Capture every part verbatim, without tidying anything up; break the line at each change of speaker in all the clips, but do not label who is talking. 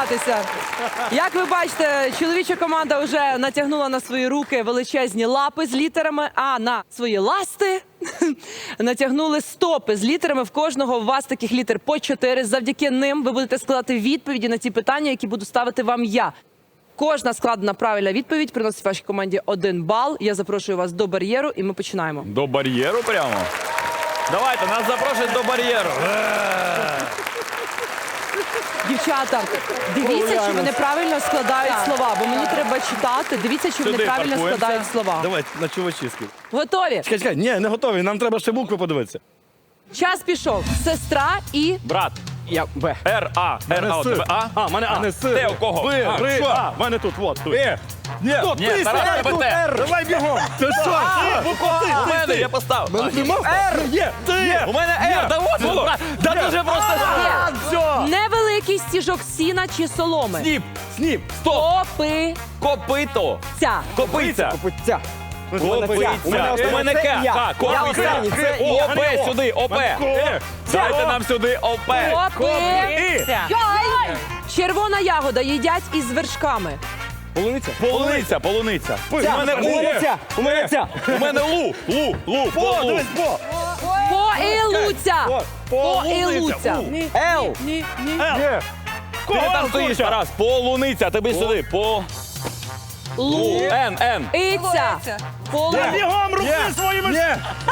розважатися. Як ви бачите, чоловіча команда вже натягнула на свої руки величезні лапи з літерами, а на свої ласти натягнули стопи з літерами. В кожного у вас таких літер по чотири. Завдяки ним ви будете складати відповіді на ті питання, які буду ставити вам я. Кожна складена правильна відповідь приносить вашій команді один бал. Я запрошую вас до бар'єру, і ми починаємо.
До бар'єру прямо? Давайте, нас запрошують до бар'єру.
Дівчата, дивіться, чи вони правильно складають слова, бо мені треба читати. Дивіться, чи вони
Сюди
правильно
паркуємося.
складають слова.
Давай на чувачівську.
Готові?
Чекай, чекай, ні, не готові, нам треба ще букви подивитися.
Час пішов. Сестра і...
Брат.
Я Б.
Р, А. Р, А у тебе А?
А, в мене А. Не С.
Де у кого?
Ви,
А,
Ри,
що?
А. В мене тут, от, тут. Е. Ні, тут,
Ні,
ти,
Тарас,
сиди,
тебе
тут,
Т.
Р. Давай бігом. Ти що? Ти, буква Ти,
У
ти,
мене,
ти.
я поставив.
Мене нема? Р. Є, ти.
У мене Р, да от воно. Да дуже просто.
А, все.
Невеликий стіжок сіна чи соломи.
Сніп,
Сніп.
стоп,
Копиця.
копито, копиця.
Копиця.
Копиця. У мене К, К, копиця. О, П сюди, О, П. Дайте нам сюди О, П.
Копиця. Йой! Червона ягода їдять із вершками.
Полуниця.
Полуниця, полуниця. У
Ця.
мене У.
Полуниця. У мене ця.
У мене Лу, Лу, Лу,
По,
Лу.
дивись, по.
Поілуця.
По.
Поілуця.
Л.
Ні, ні.
Є.
Ти там стоїш, Тарас. Полуниця, тобі сюди. По.
Лу.
Н, Н.
Иця. Полу.
Бігом руки своїми. Ні.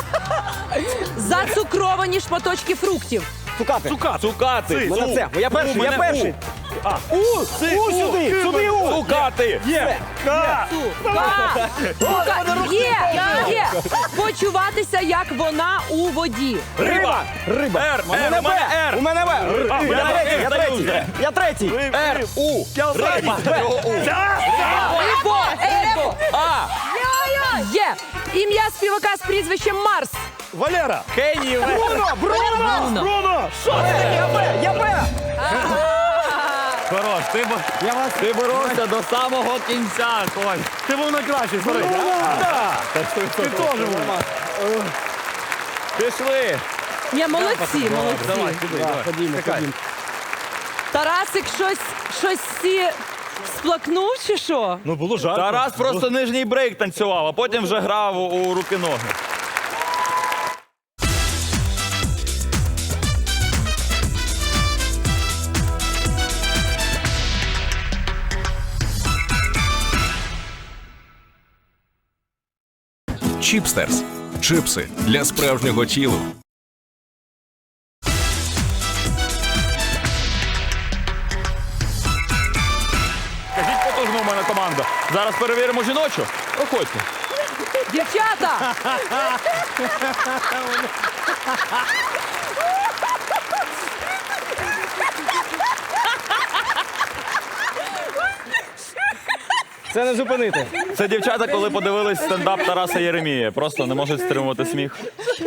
Зацукровані шматочки фруктів.
Цукати. Цукати.
Цукати.
Мене це. Я перший,
У,
я
мене
перший. У. У сюди, сюди У.
Цукати.
Є. К.
Цука. Цука. Є. Є. Почуватися, як вона у воді.
Риба.
Риба.
Р,
У мене
Р, у мене
Б.
Р.
У мене В.
А,
Я
я
третій, я
третій.
третій. Я третій.
Р, У. Риба.
Ебо. Ебо.
А.
Є. Ім'я співака з прізвищем Марс.
Валера.
Кенні.
Бруно, Бруно.
Бруно.
Бруно. Що це? Я Б, я Б.
Хорош, ти, бо-
Я вас...
ти боровся до самого кінця, Коль.
Ти був найкращий, смотри. Ти теж був.
Пішли.
Ні, молодці, молодці.
Ходімо, ходімо.
Тарасик щось, щось сі сплакнув чи що?
Ну було жарко.
Тарас просто нижній брейк танцював, а потім вже грав у руки-ноги.
Чіпстерс. Чипси для справжнього тілу.
Кажіть потужно, у мене команда. Зараз перевіримо жіночу. Проходьте.
Дівчата!
Це не зупинити.
Це дівчата, коли подивились стендап Тараса Єремія. Просто не можуть стримувати сміх.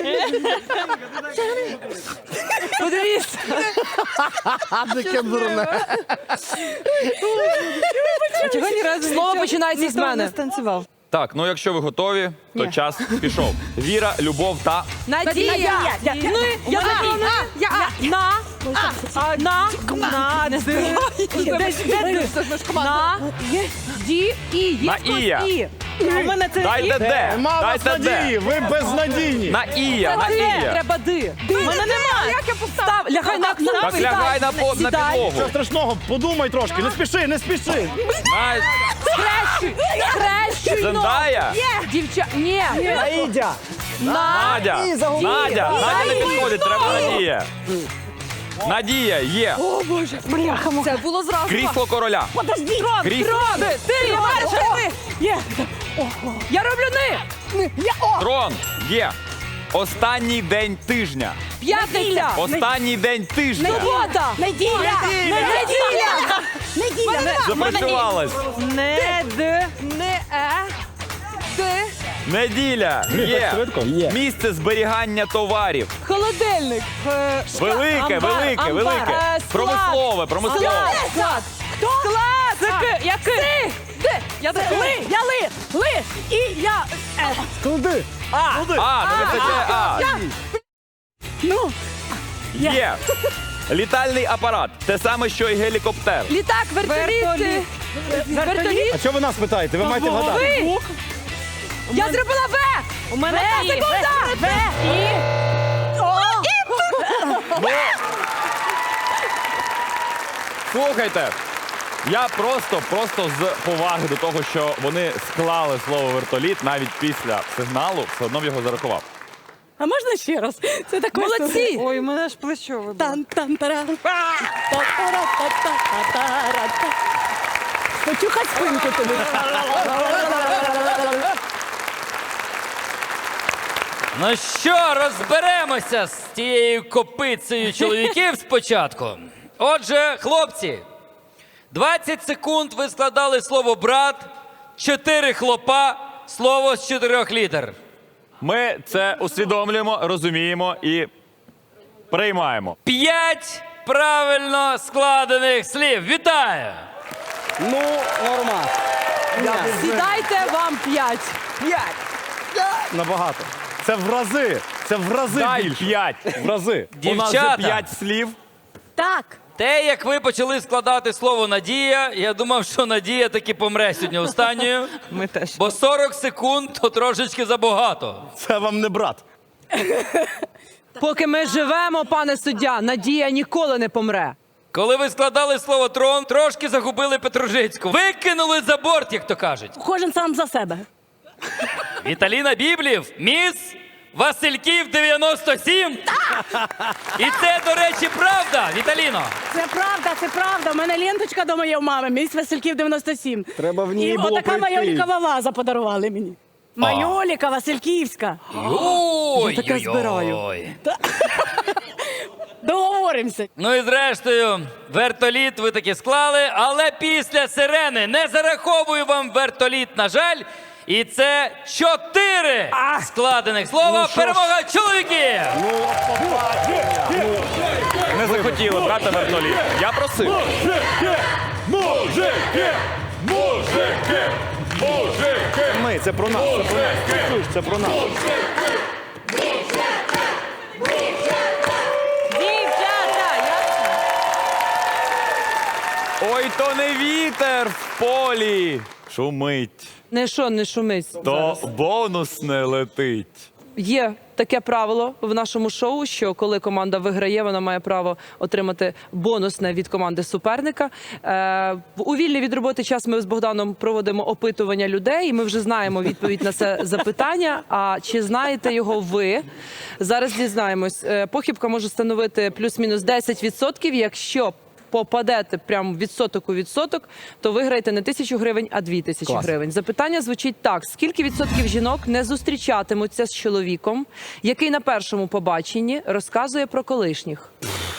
Подивіться. Слово починається з мене.
Так, ну якщо ви готові, то час пішов. Віра, любов та...
Надія. Ми. Я запомнила. Я. На. А. На. На. Де? Де? На. Ді. І. Є
На
хтось
Ія.
І. У мене це
Дайте де. Дайте де.
ви безнадійні.
На Ія, на
Де?
Ія.
Треба ди. У мене немає. Як я постав? Лягай на на
Так лягай на, по- на підлогу.
Що страшного, подумай трошки, не спіши, не спіши.
На...
Хрещуй. Хрещуй.
Зендая?
Дівча. Ні.
Наїдя.
На.
Надя.
І загубив.
Надя. Надя не
Дай
підходить,
мені
треба
знову.
Надія. Надія є.
Це було зразу.
Крісло короля.
Подожди. Трон.
Крісло.
Трон. Ти перший. Є. Я роблю ни.
Трон є. Останній день тижня.
П'ятниця.
Останній день тижня.
Субота.
Неділя!
Неділя.
Неділя!
Запрацювалась.
Не д. Не е. Д.
Неділя є.
швидко? Є.
Місце зберігання товарів.
Холодильник. Е, шка-
Велике,
амбар,
велике,
амбар.
велике.
Е, склад.
Промислове, промислове.
Склад. Склад. Хто? Склад. Це К. Який? Си. Д. Я
Ли! Я ли! Ли! І я... Е.
Куди?
А, не вистачає А.
Ну,
Є. Літальний апарат. Те саме, що і гелікоптер.
Літак, вертоліт.
Вертоліт.
Вертоліт.
А що ви нас питаєте? Ви маєте вгадати.
Ви. Я зробила В.
У мене
Одна
І.
секунда.
В. І. О.
Слухайте, я просто, просто з поваги до того, що вони склали слово вертоліт навіть після сигналу, все одно б його зарахував.
А можна ще раз? Це так
Молодці.
Ой, у мене ж плечо вибило.
Тан-тан-тара. Та-тара-та-та-та-та-та. Почухай спинку тобі.
Ну що, розберемося з тією копицею чоловіків спочатку. Отже, хлопці, двадцять секунд ви складали слово брат, чотири хлопа, слово з чотирьох літер.
Ми це усвідомлюємо, розуміємо і приймаємо.
П'ять правильно складених слів. Вітаю!
Ну, норма.
Сідайте, вам п'ять.
Набагато. Це в рази. Це в рази
Дай
більше.
п'ять.
В рази.
У нас вже
Дівчата.
п'ять слів.
Так.
Те, як ви почали складати слово Надія, я думав, що Надія таки помре сьогодні останньою.
Ми теж.
Бо сорок секунд то трошечки забагато.
Це вам не брат.
Поки ми живемо, пане суддя, Надія ніколи не помре.
Коли ви складали слово трон, трошки загубили Петружицьку. Викинули за борт, як то кажуть.
Кожен сам за себе.
Віталіна Біблів, міс Васильків дев'яносто сім. І це, до речі, правда, Віталіно.
Це правда, це правда. У мене ленточка дома є у мами. Міс Васильків дев'яносто сім.
Треба в ній
І
було
отака
прийти.
майолікова ваза подарували мені. Майоліка Васильківська.
Ой,
Я таке
ой,
збираю.
ой.
Договоримося.
Ну і зрештою, вертоліт ви таки склали, але після сирени не зараховую вам вертоліт, на жаль. І це чотири складених слова. Перемога чоловіків!
Не захотіли брати вертоліт. Я просив.
Ми, це про нас. Це про нас. Чуєш, це про нас.
Дівчата, я...
Ой, то не вітер в полі шумить,
Не що, не шумись.
то бонус не летить.
Є таке правило в нашому шоу, що коли команда виграє, вона має право отримати бонусне від команди суперника. Е, у вільний від роботи час ми з Богданом проводимо опитування людей, і ми вже знаємо відповідь на це запитання. А чи знаєте його ви? Зараз дізнаємось. Е, похибка може становити плюс-мінус десять відсотків, якщо попадете прямо відсоток у відсоток, то виграєте не тисячу гривень, а дві тисячі гривень. Запитання звучить так: скільки відсотків жінок не зустрічатимуться з чоловіком, який на першому побаченні розказує про колишніх?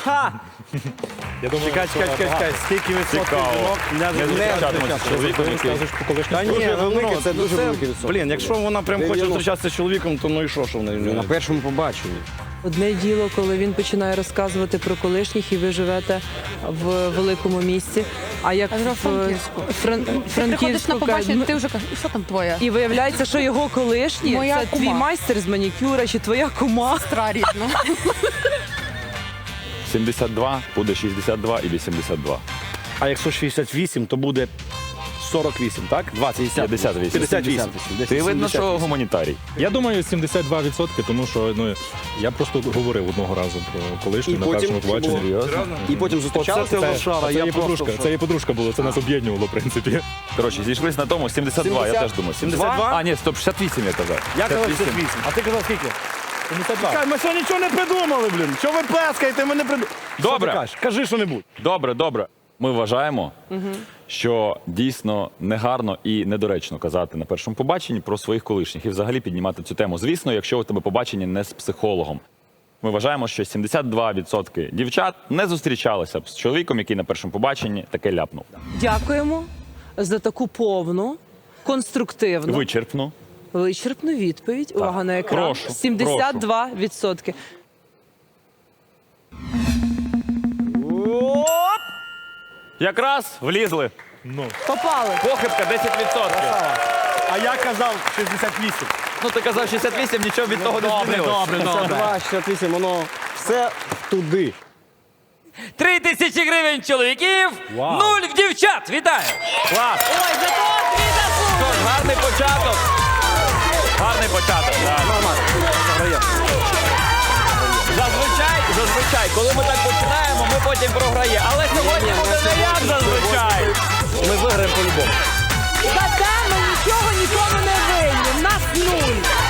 Я думаю, чекай, чекай, чекай, чекай. Скільки відсотків
Цікаво.
жінок не
Не зустрічатимуться з чоловіком, який...
Та ні, велике, це дуже великий відсоток. Блін, якщо вона прям хоче зустрічатися з чоловіком, то ну і що, що в неї?
На першому побаченні.
Одне діло, коли він починає розказувати про колишніх, і ви живете в великому місті. А як
А
в
Франківську.
Фран...
Приходиш
Франківську
на побачення,
кажуть,
ти вже кажеш, що там твоя?
і виявляється, що його колишні
Моя
це
кума.
твій майстер з манікюра чи твоя кума.
Сестра рідна.
сімдесят два буде шістдесят два і вісімдесят два.
А якщо шістдесят вісім, то буде сорок вісім, так? двадцять,
п'ятдесят вісім.
п'ятдесят вісім.
Ти видно, що гуманітарій.
Я думаю, сімдесят два відсотки, тому що ну, я просто говорив одного разу про колишню
І
на
потім
першому побаченні.
Серйозно?
І потім
Оце
зустрічалися.
ти лошара,
Це
я
її
просто...
подружка, це її подружка була, це нас об'єднувало, в принципі.
Коротше, зійшлись на тому сімдесят два, я теж думаю.
сімдесят два?
А, ні, стоп, шістдесят вісім я казав.
Я казав шістдесят вісім. А ти казав скільки?
сімдесят два.
Чекай, ми ще нічого не придумали, блін. Що ви плескаєте, ми не придумали.
Добре.
Що ти кажеш? Кажи що-небудь.
Добре, добре. Ми вважаємо, що дійсно негарно і недоречно казати на першому побаченні про своїх колишніх і взагалі піднімати цю тему. Звісно, якщо у тебе побачення не з психологом. Ми вважаємо, що сімдесят два відсотки дівчат не зустрічалися б з чоловіком, який на першому побаченні таке ляпнув.
Дякуємо за таку повну, конструктивну,
Вичерпну.
вичерпну відповідь. Увага на екран.
Прошу,
сімдесят два відсотки.
Якраз влізли.
Попали.
Похибка десять відсотків.
А я казав шістдесят вісім.
Ну ти казав шістдесят вісім, нічого від того не змінилось.
Добре,
шістдесят два, шістдесят вісім, воно все туди.
Три тисячі гривень чоловіків,
Вау.
нуль в дівчат. Вітаю!
Клас!
Ой, зато дві заслуги.
Тож, гарний початок. Гарний початок. Так. Зазвичай, зазвичай, коли ми так починаємо, ми потім програємо. Але сьогодні буде не як зазвичай.
Ми виграємо по-любому.
Та ми нічого нікому не винні. В нас нуль.